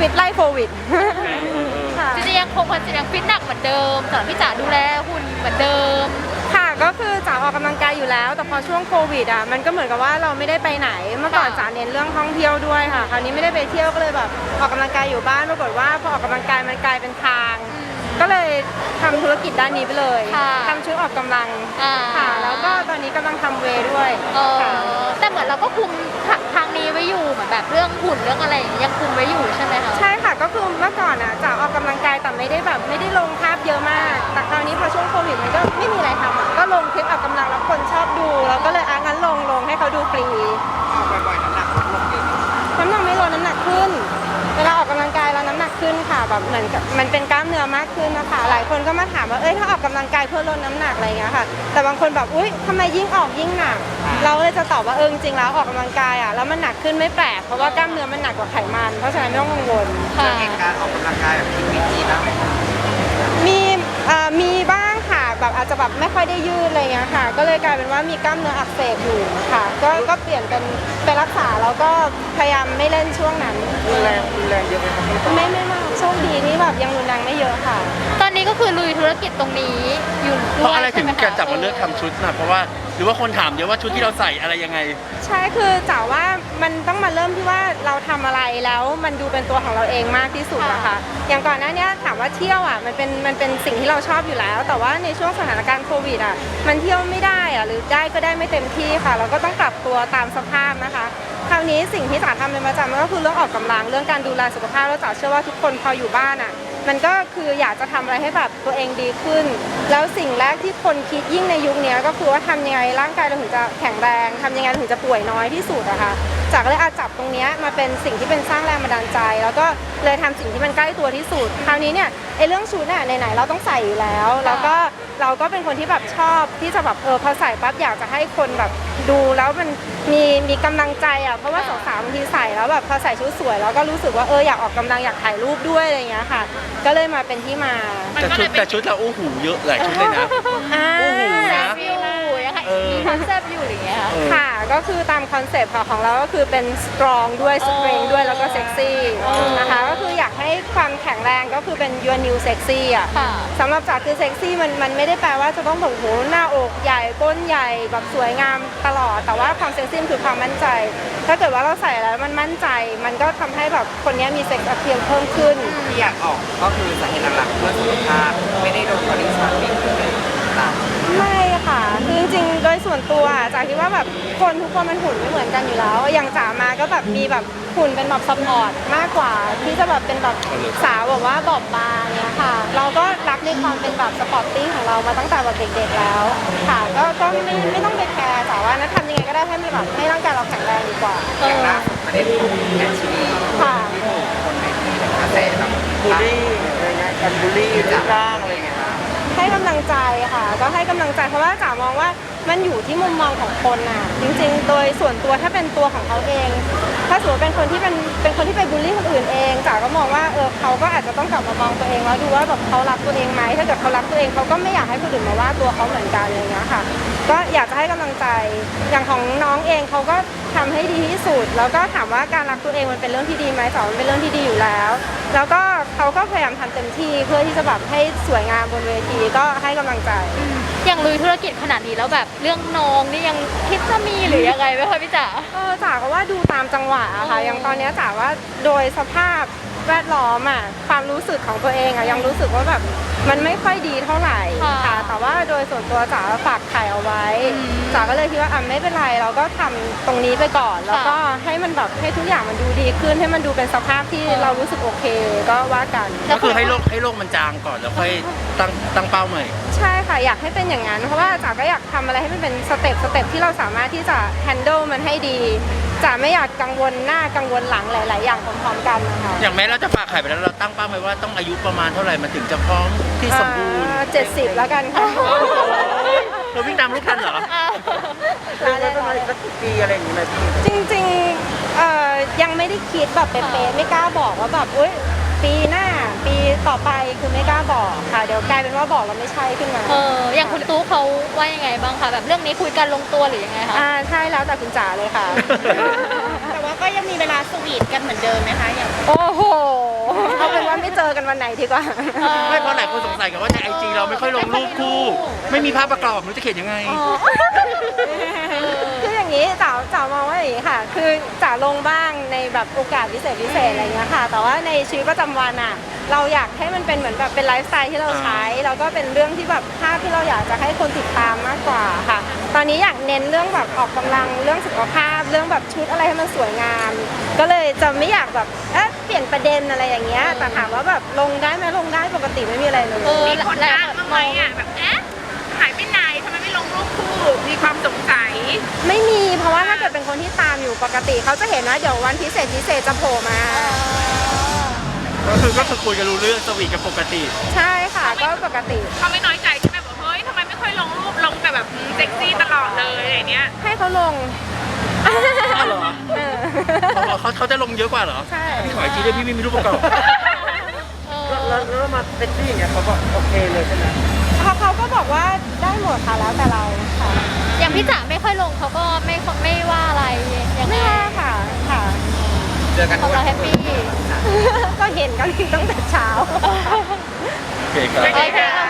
ฟิตไล่โควิดค่ะจริงๆยังคงยังฟิตหนักเหมือนเดิมแต่พี่จ๋าดูแลหุ่นเหมือนเดิมค่ะก็คือจ๋าออกกำลังกายอยู่แล้วแต่พอช่วงโควิดอ่ะมันก็เหมือนกับว่าเราไม่ได้ไปไหนเมื่อก่อนจ๋าเน้นเรื่องท่องเที่ยวด้วยค่ะคราวนี้ไม่ได้ไปเที่ยวก็เลยแบบออกกำลังกายอยู่บ้านปรากฏว่าพอออกกำลังกายมันกลายเป็นทางก็เลยทำธุรกิจด้านนี้ไปเลยทำชุดออกกำลังค่ะแล้วก็ตอนนี้กำลังทำเวย์ด้วยแต่เหมือนเราก็คุมทางนี้ไว้อยู่เหมือนแบบเรื่องหุ่นเรื่องอะไรยังคุมไว้อยู่ใช่ไหมคะใช่ค่ะก็คือเมื่อก่อนอ่ะจ๋าออกกำลังกายแต่ไม่ได้ลงภาพเยอะมากแต่คราวนี้พอช่วงโควิดมันก็ไม่มีอะไรทำอ่ะก็ลงคลิปออกกำลังแล้วคนชอบดูแล้วก็เลยงั้นลงให้เขาดูฟรีออกบ่อยๆน้ำหนักลดลงเยอะน้ำหนักไม่ลดน้ำหนักขึ้นเวลาออกกำลังกายแล้วน้ำหนักขึ้นค่ะแบบเหมือนกับมันเป็นกล้ามเนื้อมากขึ้นนะคะหลายคนก็มาถามว่าถ้าออกกำลังกายเพื่อลดน้ำหนักอะไรอย่างเงี้ยค่ะแต่บางคนแบบอุ๊ยทำไมยิ่งออกยิ่งหนักเราเลยจะตอบว่าจริงๆแล้วออกกำลังกายอ่ะแล้วมันหนักขึ้นไม่แปลกเพราะว่ากล้ามเนื้อมันหนักกว่าไขมันเพราะฉะนั้นไม่ต้องกังวลเหตุการณ์ออกกำลังกายแบบผิดวิธีบ้างไหมคะมีบ้างค่ะแบบอาจจะแบบไม่ค่อยได้ยืดอะไรเงี้ยค่ะก็เลยกลายเป็นว่ามีกล้ามเนื้ออักเสบอยู่ค่ะก็เปลี่ยนเป็นไปรักษาแล้วก็พยายามไม่เล่นช่วงนั้นรุนแรงเยอะไหมครับไม่มากโชคดีนี่แบบยังรุนแรงไม่เยอะค่ะตอนนี้ก็คือลุยธุรกิจตรงนี้อยู่เพราะอะไรถึงการจับมาเลือกทำชุดนะเพราะว่าหรือว่าคนถามเยอะว่าชุดที่เราใส่อะไรยังไงใช่คือจ๋าว่ามันต้องมาเริ่มที่ว่าเราทำอะไรแล้วมันดูเป็นตัวของเราเองมากที่สุดนะคะอย่างก่อนหน้านี้ถามว่าเที่ยวอ่ะมันเป็นสิ่งที่เราชอบอยู่แล้วแต่ว่าในช่วงสถานการณ์โควิดอ่ะมันเที่ยวไม่ได้อ่ะหรือได้ก็ได้ไม่เต็มที่ค่ะเราก็ต้องปรับตัวตามสภาพนะคะคราวนี้สิ่งที่จ๋าทำเป็นประจำก็คือเรื่องออกกำลังเรื่องการดูแลสุขภาพแล้วจ๋าเชื่อว่าทุกคนพออยู่บ้านอ่ะมันก็คืออยากจะทำอะไรให้แบบตัวเองดีขึ้นแล้วสิ่งแรกที่คนคิดยิ่งในยุคนี้ก็คือว่าทำยังไงร่างกายเราถึงจะแข็งแรงทำยังไงถึงจะป่วยน้อยที่สุดอะค่ะจ๋าก็เลยจับตรงนี้มาเป็นสิ่งที่เป็นสร้างแรงบันดาลใจแล้วก็เลยทำสิ่งที่มันใกล้ตัวที่สุดคราวนี้เนี่ยเรื่องชุดเนี่ยไหนๆเราต้องใส่อยู่แล้วแล้วก็เราก็เป็นคนที่แบบชอบที่จะแบบพอใส่ปั๊บอยากจะให้คนแบบดูแล้วมันมีกำลังใจอ่ะเพราะว่าสาวๆบางทีใส่แล้วแบบพอใส่ชุดสวยแล้วก็รู้สึกว่าอยากออกกำลังอยากถ่ายรูปด้วยอะไรอย่างเงี้ยค่ะก็เลยมาเป็นที่มาแต่ชุดเราโอ้โหเยอะหลายชุดเลยนะโอ้โหนะยังไงมีคอนเซปต์อยู่อย่างเงี้ยค่ะก็คือตามคอนเซปต์ของเราก็คือเป็นสตรองด้วยสเตรนด้วยแล้วก็เซ็กซี่นะคะก็คืออยากให้ความแข็งแรงก็คือเป็น your new sexy อ่ะสำหรับจ๋าคือเซ็กซี่มันไม่ได้แปลว่าจะต้องแบบโหหน้าอกใหญ่ก้นใหญ่แบบสวยงามตลอดแต่ว่าความเซ็กซี่คือความมั่นใจถ้าเกิดว่าเราใส่แล้วมันมั่นใจมันก็ทำให้แบบคนนี้มีเซ็กซ์อเพียลเพิ่มขึ้นที่อยากออกก็คือสาเหตุหลักๆเพื่อสุขภาพไม่ได้โดนบริษัทบิ๊กเลยไม่ค่ะคือจริงๆโดยส่วนตัวจ๋าคิดว่าแบบคนทุกคนมันหุ่นไม่เหมือนกันอยู่แล้วอย่างจ๋ามาก็แบบมีแบบหุ่นเป็นแบบซัพพอร์ตมากกว่าที่จะแบบเป็นแบบสาวแบบว่าบอบบางเนี้ยค่ะเราก็รักในความเป็นแบบสปอร์ตติ้งของเรามาตั้งแต่แบบเด็กๆแล้วค่ะก็ไม่ต้องไปแคร์จ๋าว่านะทำยังไงก็ได้ให้มีแบบให้ร่างกายเราแข็งแรงดีกว่าอย่างล่าสุดประเด็นของแอนชิลีค่ะที่ถูกคนในทีกระแสแบบบูลลี่อะไรเงี้ยการบูลลี่จากร่างอะไรเงี้ยให้กำลังใจค่ะก็ให้กำลังใจเพราะว่าจ๋ามองว่ามันอยู่ที่มุมมองของคนน่ะจริงๆโดยส่วนตัวถ้าเป็นตัวของเขาเองถ้าสมมติเป็นคนที่ไปบูลลี่คนอื่นเองจ๋าก็มองว่าเขาก็อาจจะต้องกลับมามองตัวเองแล้วดูว่าแบบเขารักตัวเองไหมถ้าเกิดเขารักตัวเองเขาก็ไม่อยากให้คนอื่นมาว่าตัวเขาเหมือนกันอะไรเงี้ยค่ะก็อยากจะให้กำลังใจอย่างของน้องเองเขาก็ทำให้ดีที่สุดแล้วก็ถามว่าการรักตัวเองมันเป็นเรื่องที่ดีไหมจ๋ามันเป็นเรื่องที่ดีอยู่แล้วแล้วก็เขาก็พยายามทำเต็มที่เพื่อที่จะแบบให้สวยงามบนเวทีก็ให้กำลังใจอย่างลุยธุรกิจขนาดนี้แล้วแบบเรื่องน้องนี่ยังคิดจะมีหรือยังไงไหมคะพี่จ๋าจ๋าก็ว่าดูตามจังหวะอะค่ะอย่างตอนนี้จ๋าว่าโดยสภาพแวดล้อมอะความรู้สึกของตัวเองอะยังรู้สึกว่าแบบมันไม่ค่อยดีเท่าไหร่ค่ะแต่ว่าโดยส่วนตัวจ๋าฝากไข่เอาไว้จ๋าก็เลยคิดว่าไม่เป็นไรเราก็ทำตรงนี้ไปก่อนแล้วก็ให้มันแบบให้ทุกอย่างมันดูดีขึ้นให้มันดูเป็นสภาพที่เรารู้สึกโอเคก็ว่ากันก็คือให้โรคมันจางก่อนแล้วค่อยตั้งเป้าใหม่ใช่ค่ะอยากให้เป็นอย่างนั้นเพราะว่าจ๋าก็อยากทำอะไรให้มันเป็นสเต็ปที่เราสามารถที่จะ handle มันให้ดีจ๋าไม่อยากกังวลหน้ากังวลหลังหลายๆอย่างพร้อมๆกันนะคะอย่างแม้เราจะฝากไข่ไปแล้วเราตั้งเป้าไว้ว่าต้องอายุประมาณเท่าไหร่มันถึงจะพร้อมที่สมบูรณ์ 70แล้วกันค่ะเราวิ่งตามลูกทันเหรอแล้วประมาณสักปีอะไรอย่างเงี้ยพี่จริงๆยังไม่ได้คิดแบบเป๊ะๆไม่กล้าบอกว่าแบบปีหน้าปีต่อไปคือไม่กล้าบอกค่ะเดี๋ยวกลายเป็นว่าบอกแล้วไม่ใช่ขึ้นมาอย่างคุณตู้เขาว่ายังไงบ้างคะแบบเรื่องนี้คุยกันลงตัวหรือยังไงคะใช่แล้วแต่คุณจ๋าเลยค่ะแต่ว่าก็ยังมีเวลาสวีทกันเหมือนเดิมไหมคะอย่างโอ้โหวันไหนดีกว่าไม่เพราะหลายคนสงสัยกันว่าในไอจีเราไม่ค่อยลงรูปคู่ ไม่มีภาพประกอบมันจะเขียนยังไงคืออย่างนี้จ๋ามองว่าอย่างนี้ค่ะ คือจ๋าลงบ้างในแบบโอกาสพิเศษอะไรเงี้ยค่ะ แต่ว่าในชีวิตประจำวันอ่ะเราอยากให้มันเป็นเหมือนแบบเป็นไลฟ์สไตล์ที่เราใช้แล้วก็เป็นเรื่องที่แบบภาพที่เราอยากจะให้คนติดตามมากกว่าค่ะ ตอนนี้อยากเน้นเรื่องแบบออกกำลังเรื่องสุขภาพเรื่องแบบชุดอะไรให้มันสวยงาม ก็เลยจะไม่อยากแบบเปลี่ยนประเด็นอะไรอย่างเงี้ยแต่ถามว่าแบบลงได้ไหมลงได้ปกติไม่มีอะไรเลยมีคนทักบ้างไหมอ่ะแบบหายไปไหนทำไมไม่ลงรูปคู่มีความสงสัยไม่มีเพราะว่าถ้าเกิดเป็นคนที่ตามอยู่ปกติเขาจะเห็นว่าเดี๋ยววันพิเศษจะโผล่มาก็คือคุยกันรู้เรื่องสวีทกันปกติใช่ค่ะก็ปกติเขาไม่น้อยใจใช่ไหมบอกเฮ้ยทำไมไม่ค่อยลงรูปลงแต่แบบเซ็กซี่ตลอดเลยอะไรเนี้ยให้เขาลงอ้าวเหรอเออเขาจะลงเยอะกว่าเหรอใช่พี่ขอไอจีด้วยพี่ไม่มีรูปประกอบแล้วมาเซ็กซี่อย่างเงี้ยเขาก็โอเคเลยใช่ไหมเขาก็บอกว่าได้หมดค่ะแล้วแต่เราค่ะอย่างพี่จ๋าไม่ค่อยลงเขาก็ไม่ว่าอะไรยังไงไม่ว่าค่ะค่ะเจอกันเขาเราแฮปปี้ก็เห็นกันตั้งแต่เช้าโอเคครับโอเคค่ะ